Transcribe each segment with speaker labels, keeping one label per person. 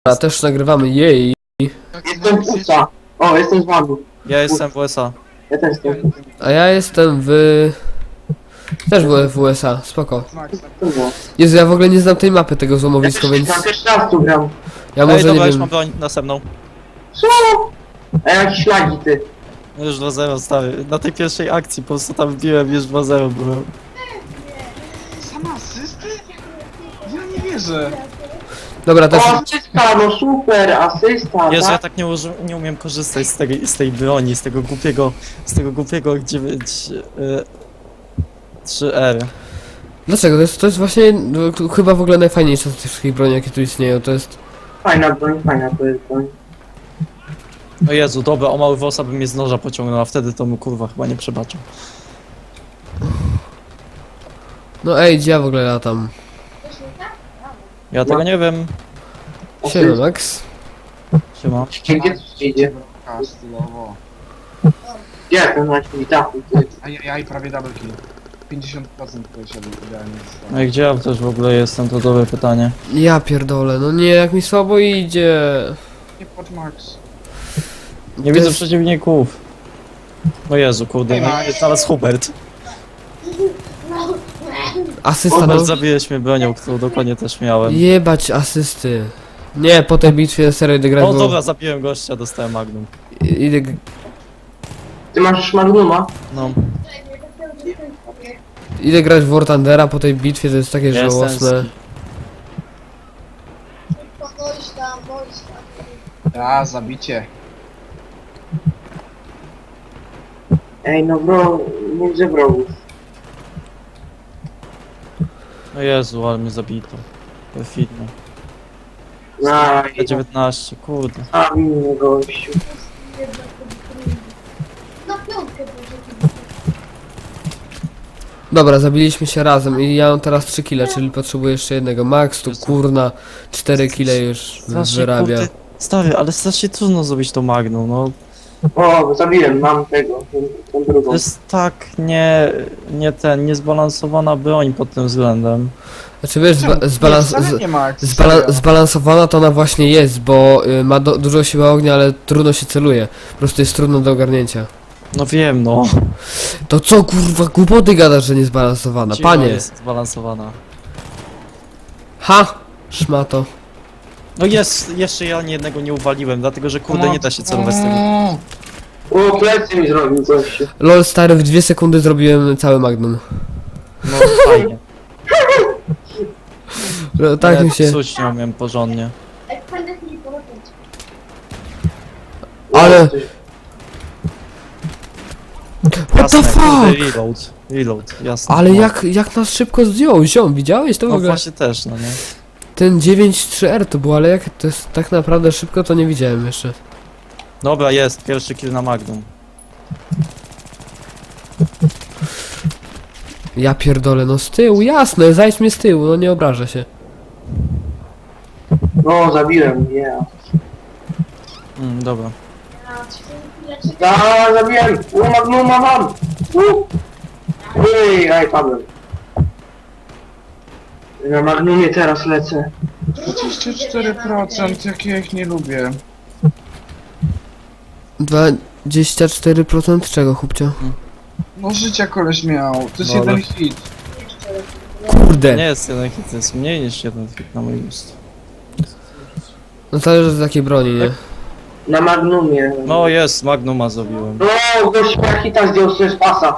Speaker 1: A też nagrywamy jej.
Speaker 2: Jestem w USA. O, jestem z Wadu.
Speaker 3: Ja jestem w USA.
Speaker 2: Ja też jestem.
Speaker 1: A ja jestem w... Też byłem w USA, spoko.
Speaker 2: To było.
Speaker 1: Jezu, ja w ogóle nie znam tej mapy tego
Speaker 2: Ja
Speaker 1: złomowiska,
Speaker 2: też,
Speaker 1: więc...
Speaker 2: ja też raz tu gram.
Speaker 1: Ja
Speaker 3: Ej,
Speaker 1: może
Speaker 3: dobra,
Speaker 1: nie
Speaker 3: już
Speaker 1: wiem...
Speaker 3: mam broń następną.
Speaker 2: Co? A jakieś lagi ty.
Speaker 3: Już 2-0 stary. Na tej pierwszej akcji po prostu tam wbiłem, już 2-0 byłem.
Speaker 4: Sama asysty? Ja nie wierzę.
Speaker 1: Dobra, też...
Speaker 2: O, asysta, no super, asysta,
Speaker 3: Jezu, ja
Speaker 2: tak?
Speaker 3: tak nie umiem korzystać z tej broni, z tego głupiego 9... 3R.
Speaker 1: Dlaczego? To jest właśnie... chyba w ogóle najfajniejsza z tych wszystkich broni, jakie tu istnieją, to jest...
Speaker 2: Fajna to jest broń.
Speaker 3: O Jezu, dobra, o mały włosa by mnie z noża pociągnął, a wtedy to mu kurwa chyba nie przebaczył.
Speaker 1: No ej, gdzie ja w ogóle latam?
Speaker 3: Ja tego nie wiem.
Speaker 1: Siema, Max.
Speaker 3: Siema.
Speaker 2: Gdzie tu idzie?
Speaker 4: A, stylowo.
Speaker 2: Gdzie ten na dachu?
Speaker 4: Ajajaj, prawie double kill. 50% polecieli idealnie.
Speaker 3: No i gdzie ja też w ogóle jestem, to dobre pytanie.
Speaker 1: Ja pierdolę, no nie, jak mi słabo idzie.
Speaker 4: Nie płacz Max.
Speaker 3: Nie
Speaker 1: To
Speaker 3: widzę
Speaker 1: jest-
Speaker 3: przeciwników. O Jezu, kurde,
Speaker 4: Ej,
Speaker 3: no
Speaker 4: Max.
Speaker 3: jest teraz Hubert.
Speaker 1: Asysta, no.
Speaker 3: Hubert, zabiłeś mnie bronią, którą dokładnie też miałem.
Speaker 1: Jebać asysty. Nie, po tej bitwie serio idę grać
Speaker 3: O
Speaker 1: w...
Speaker 3: dobra, zabiłem gościa, dostałem magnum.
Speaker 1: Idę...
Speaker 2: Ty masz już Magnuma?
Speaker 3: No,
Speaker 1: Idę grać w War Thundera po tej bitwie, to jest takie
Speaker 3: Jestem
Speaker 1: żałosne.
Speaker 4: A, zabicie.
Speaker 2: Ej, no bro, nie widzę wrogów.
Speaker 3: o Jezu, ale mnie zabito. Perfidnie.
Speaker 2: Aj,
Speaker 3: 19, kurde.
Speaker 2: a mnie gościu.
Speaker 5: Na piątkę
Speaker 1: Dobra, zabiliśmy się razem i ja mam teraz 3 kile, czyli potrzebuję jeszcze jednego. Max tu kurna 4 kile już wyrabia.
Speaker 3: kurde, stary, ale strasznie trudno zrobić to magnum, no.
Speaker 2: O, zabiłem, mam tego, tą drugą.
Speaker 3: To jest tak niezbalansowana broń pod tym względem.
Speaker 1: Znaczy wiesz,
Speaker 4: Wcale nie Max.
Speaker 1: zbalansowana to ona właśnie jest, bo ma dużo siły ognia, ale trudno się celuje. Po prostu jest trudno do ogarnięcia.
Speaker 3: No wiem, no.
Speaker 1: To co kurwa głupoty gadasz, że niezbalansowana,
Speaker 3: Siła
Speaker 1: panie?
Speaker 3: jest zbalansowana.
Speaker 1: Ha! Szmato.
Speaker 3: No jest, jeszcze ja ani jednego nie uwaliłem, dlatego że kurde nie da się celować z tego.
Speaker 2: O, plecy mi zrobił gościu.
Speaker 1: Lol stary, w 2 sekundy zrobiłem cały magnum.
Speaker 3: No fajnie.
Speaker 1: Tak
Speaker 3: Ja
Speaker 1: mi się...
Speaker 3: Coś nie umiem porządnie.
Speaker 5: Jak będę mi polecieć.
Speaker 1: Ale... What the
Speaker 3: Jasne, kurde,
Speaker 1: fuck?
Speaker 3: reload, jasne.
Speaker 1: Ale
Speaker 3: no.
Speaker 1: jak nas szybko zdjął, ziom, widziałeś to w
Speaker 3: No
Speaker 1: ogóle?
Speaker 3: właśnie też, no nie.
Speaker 1: Ten 9.3R to było, ale jak to jest tak naprawdę szybko, to nie widziałem jeszcze.
Speaker 3: Dobra, jest, pierwszy kill na magnum.
Speaker 1: Ja pierdolę, no z tyłu, jasne, zajdź mnie z tyłu, no nie obrażę się.
Speaker 2: No, zabiłem, nie.
Speaker 3: Dobra.
Speaker 2: Zabiłem! O, Magnuma mam! Ej, aj, padłem. Na Magnumie teraz lecę.
Speaker 4: 24%, jak ja ich nie lubię.
Speaker 1: 24% czego, chłopcio?
Speaker 4: No życia koleś miał. To jest
Speaker 3: No,
Speaker 4: jeden
Speaker 3: ale-
Speaker 4: hit.
Speaker 1: Kurde!
Speaker 3: Nie jest jeden hit, to jest mniej niż jeden hit na mój gust.
Speaker 1: No zależy od jakiej broni, nie?
Speaker 2: Na Magnumie.
Speaker 3: No jest, magnuma zrobiłem.
Speaker 2: No, gość hita zdjął sobie z pasa.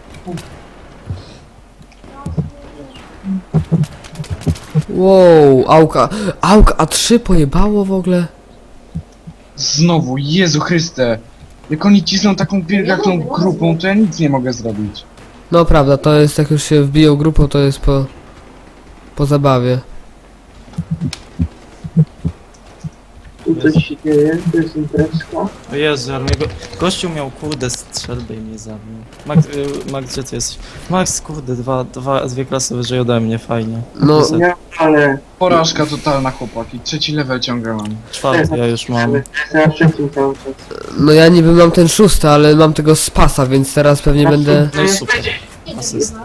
Speaker 1: Wow, Auka A3 pojebało w ogóle?
Speaker 4: Znowu, Jezu Chryste. Jak oni cisną taką wielką grupą, to ja nic nie mogę zrobić.
Speaker 1: No prawda, to jest jak już się wbiją grupą, to jest po zabawie.
Speaker 2: Tu coś się dzieje, to jest imprezka.
Speaker 3: O Jezu, ale mnie gościu miał kurde strzelbę i mnie zabił. Max, gdzie ty jesteś? Max, kurde, dwie klasy wyżej ode mnie, fajnie.
Speaker 1: No,
Speaker 3: Niestety.
Speaker 2: Nie, ale...
Speaker 4: Porażka totalna, chłopaki. 3. level ciągle mam.
Speaker 3: Czwarty ja już mam.
Speaker 2: Jestem na trzecim cały czas.
Speaker 1: no ja niby mam ten 6, ale mam tego z pasa, więc teraz pewnie będę...
Speaker 3: No i super. Asyst.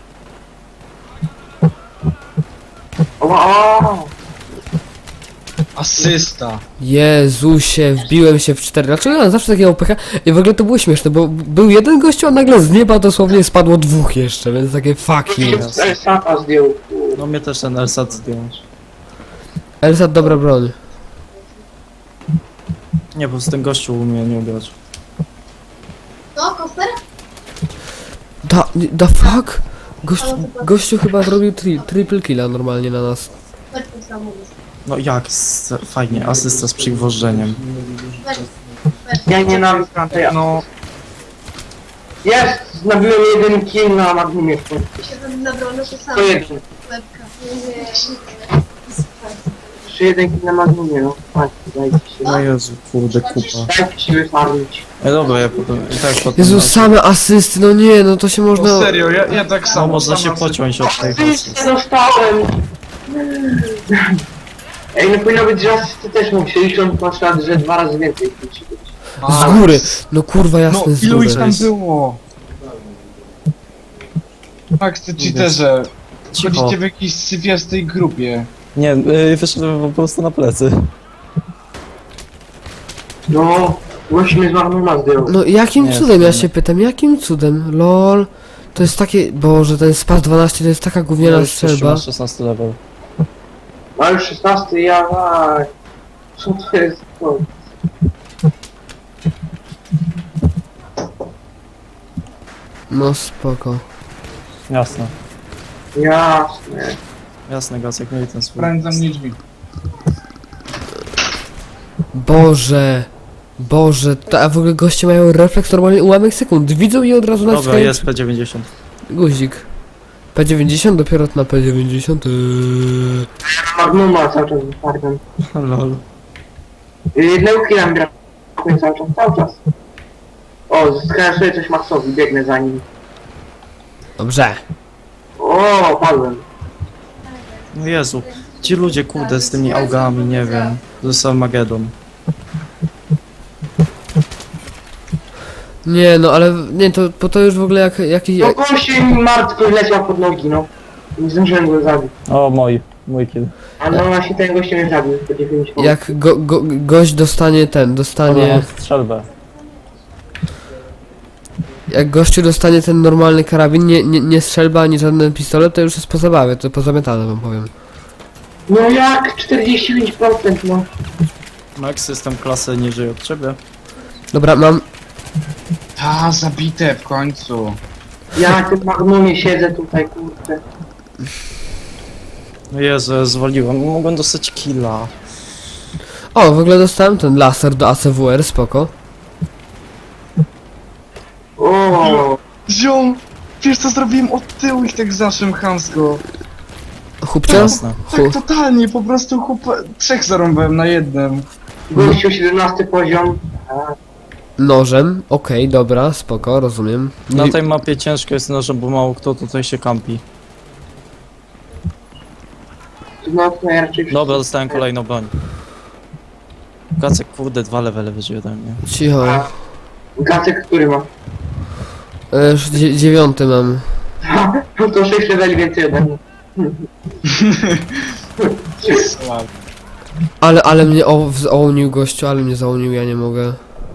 Speaker 2: O!
Speaker 4: Asysta.
Speaker 1: Jezusie, wbiłem się w 4. Dlaczego ja mam zawsze takiego pecha? I w ogóle to było śmieszne, bo był jeden gościu, a nagle z nieba dosłownie spadło dwóch jeszcze, więc takie fuck you.
Speaker 2: Sapa zdjął.
Speaker 3: No mnie też ten Elsat zdjąć.
Speaker 1: Elsat, dobra broń.
Speaker 3: Nie, bo z ten gościu umie nie ugrać.
Speaker 5: No, koster?
Speaker 1: Da fuck? Gościu chyba zrobił triple killa normalnie na nas.
Speaker 5: Weź ten samochód.
Speaker 3: No jak? Fajnie, asysta z przygwożdżeniem.
Speaker 5: Weź.
Speaker 2: Ja nienawidzę tej...
Speaker 4: No,
Speaker 2: Jest! Nabiłem jeden kill na Magnumie.
Speaker 5: się tam nabrał na to samo.
Speaker 2: To jeden.
Speaker 5: Łebka. Nie.
Speaker 2: Jeszcze jeden kill na Magnumie, no. Patrz, dajcie się.
Speaker 3: No Jezu, kurde, kupa.
Speaker 2: Dajcie się wyfarmić.
Speaker 3: Dobra, ja potem, i tak potem...
Speaker 1: Jezu, same asysty, no nie, no to się
Speaker 4: no
Speaker 1: można...
Speaker 4: serio, ja tak
Speaker 3: No
Speaker 4: samo.
Speaker 3: można się
Speaker 4: sama
Speaker 3: pociąć od tej
Speaker 2: Asystę dostałem! Ej, no powinno być, że asysty też mógł się licząc na przykład, że 2 razy więcej musi być.
Speaker 1: Z góry! No kurwa,
Speaker 4: No,
Speaker 1: jasne, z
Speaker 4: ilu ich
Speaker 1: góry.
Speaker 4: tam było? Max, ty cheaterze.
Speaker 3: Cicho.
Speaker 4: Chodzicie w jakiejś sypiastej grupie.
Speaker 3: Nie, wyszedłem po prostu na plecy.
Speaker 2: No, musimy z Magnuma zdjął.
Speaker 1: No jakim
Speaker 3: Nie,
Speaker 1: cudem, ja
Speaker 3: nie.
Speaker 1: się pytam, jakim cudem? LOL. To jest takie... Boże, ten Spas 12 to jest taka gówniana strzelba.
Speaker 3: Masz 16 level.
Speaker 2: A już 16, ja... a, co to jest? To?
Speaker 1: No spoko.
Speaker 3: Jasne.
Speaker 2: Jasne.
Speaker 3: Jasne, Gacek, mieli ten swój.
Speaker 4: Prań za mnie drzwi.
Speaker 1: Boże. Boże, a w ogóle goście mają refleks normalnie ułamek sekund. Widzą i od razu
Speaker 3: Dobra,
Speaker 1: naciskają
Speaker 3: jest P90.
Speaker 1: guzik. P90 dopiero na P90.
Speaker 2: Magnuma cały czas wyfarmiam.
Speaker 3: Lol.
Speaker 2: Jednego killa mi brakuje cały czas. O, zyskałem sobie coś Maxowi, biegnę za nim.
Speaker 1: Dobrze.
Speaker 2: O, padłem.
Speaker 3: No Jezu, ci ludzie, kurde, z tymi augami, nie wiem. To jest Armageddon.
Speaker 1: Nie no, ale nie, to, bo to już w ogóle jak jakiś...
Speaker 2: No gościu mi martwy leciał pod nogi, no. Nie zdążyłem go zabić.
Speaker 3: O, mój kill.
Speaker 2: Ale no właśnie ten gościu mnie zabił, po 9 minut.
Speaker 1: Jak gość dostanie ten, dostanie...
Speaker 3: Strzelbę.
Speaker 1: Jak gościu dostanie ten normalny karabin, nie strzelba ani żaden pistolet, to już jest po zabawie, to pozamiatane wam powiem.
Speaker 2: No jak? 45%, no.
Speaker 3: Max, jestem klasę niżej od ciebie.
Speaker 1: Dobra, mam...
Speaker 4: Ta, zabite w końcu.
Speaker 2: Ja na tym Magnumie siedzę tutaj, kurde.
Speaker 3: No Jezu, ja zwaliłem. Mogłem dostać killa.
Speaker 1: O, w ogóle dostałem ten laser do ACWR, spoko.
Speaker 2: O,
Speaker 4: Ziom! Wiesz co zrobiłem od tyłu ich tak zawsze chamsko.
Speaker 1: Chłopcze?
Speaker 3: Jasne.
Speaker 4: Tak totalnie, po prostu trzech zarąbałem na jednym.
Speaker 2: gościu 17 poziom. A,
Speaker 1: Nożem, okej, dobra, spoko, rozumiem.
Speaker 3: Na tej mapie ciężko jest nożem, bo mało kto tutaj się kampi.
Speaker 2: no to ja raczej...
Speaker 3: Dobra, dostałem kolejną broń. Gacek, kurde, 2 levele wyżej ode mnie.
Speaker 1: Cicho.
Speaker 2: A, Gacek, który ma?
Speaker 1: 9 mam.
Speaker 2: No to 6 leveli więcej ode mnie.
Speaker 1: Ale mnie zaonił gościu, ale mnie zaonił, ja nie mogę.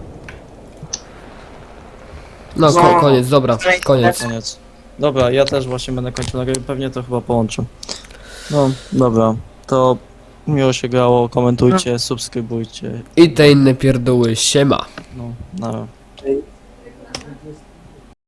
Speaker 1: No,
Speaker 2: No.
Speaker 1: koniec, dobra, koniec.
Speaker 3: Koniec. Dobra, ja też właśnie będę kończył nagrywanie, pewnie to chyba połączę. No, dobra, to miło się grało, komentujcie, subskrybujcie.
Speaker 1: I te inne pierdoły, siema.
Speaker 3: No, na
Speaker 2: Cześć.